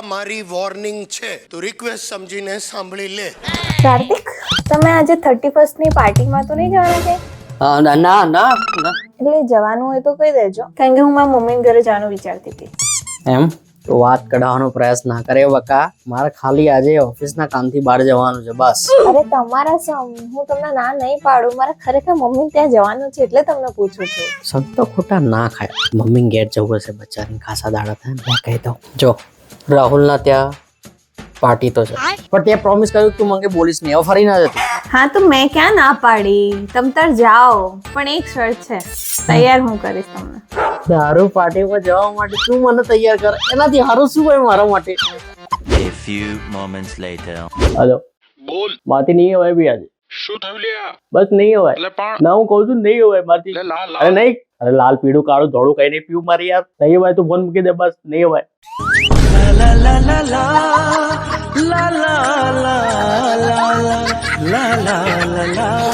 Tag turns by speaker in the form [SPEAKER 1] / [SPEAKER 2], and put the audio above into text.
[SPEAKER 1] મારી વોર્નિંગ છે, તો રિક્વેસ્ટ સમજીને સાંભળી લે.
[SPEAKER 2] કાર્તિક, તમે આજે 31st ની પાર્ટીમાં તો નહીં જવાના કે?
[SPEAKER 3] ના ના ના
[SPEAKER 2] એટલે જવાનું હોય તો કહી દેજો, કારણ કે હું મારા મમ્મીના ઘરે જવાનું વિચારતી હતી.
[SPEAKER 3] એમ તો વાત કઢાવવાનો પ્રયાસ ના કરે બકા. મારે ખાલી આજે ઓફિસના કામથી બહાર જવાનું છે બસ.
[SPEAKER 2] અરે તમારા સમ, હું તમને ના નહીં પાડું, મારે ખરેખર મમ્મી ત્યાં જવાનું છે એટલે તમને પૂછું છું.
[SPEAKER 3] સંતો ખોટા ના ખાય. મમ્મી ઘેર જવું હશે બચારીને, ખાસા દાડા થાય ને કહી દઉં. જો રાહુલના ત્યાં પાર્ટી તો છે, પણ તે પ્રોમિસ કર્યું તું મને બોલીશ નહીં. હવે ફરી ના જતી.
[SPEAKER 2] હા તો મેં ક્યાં ના પાડી, તમ તાર જાઓ, પણ એક શરત છે, તૈયાર હું કરીશ તમને.
[SPEAKER 3] દારૂ પાર્ટીમાં જવા માટે તું મને તૈયાર કર, એનાથી સારું શું હોય મારા માટે?
[SPEAKER 4] A few moments later.
[SPEAKER 3] Hello,
[SPEAKER 5] બોલ.
[SPEAKER 3] માથી નહીં હોય બી આજે.
[SPEAKER 5] શું થયું લ્યા?
[SPEAKER 3] બસ નહીં હોય.
[SPEAKER 5] એટલે પણ
[SPEAKER 3] ના હું કહું છું નહીં હોય માથી.
[SPEAKER 5] લે લાલ
[SPEAKER 3] અરે નહીં, અરે લાલ પીળું કાળું ધોળું કઈ નહીં પીવું મારી યાર. નહીં હોય તું ફોન મૂકી દે, બસ નહીં હોય. La la la la la la la la la la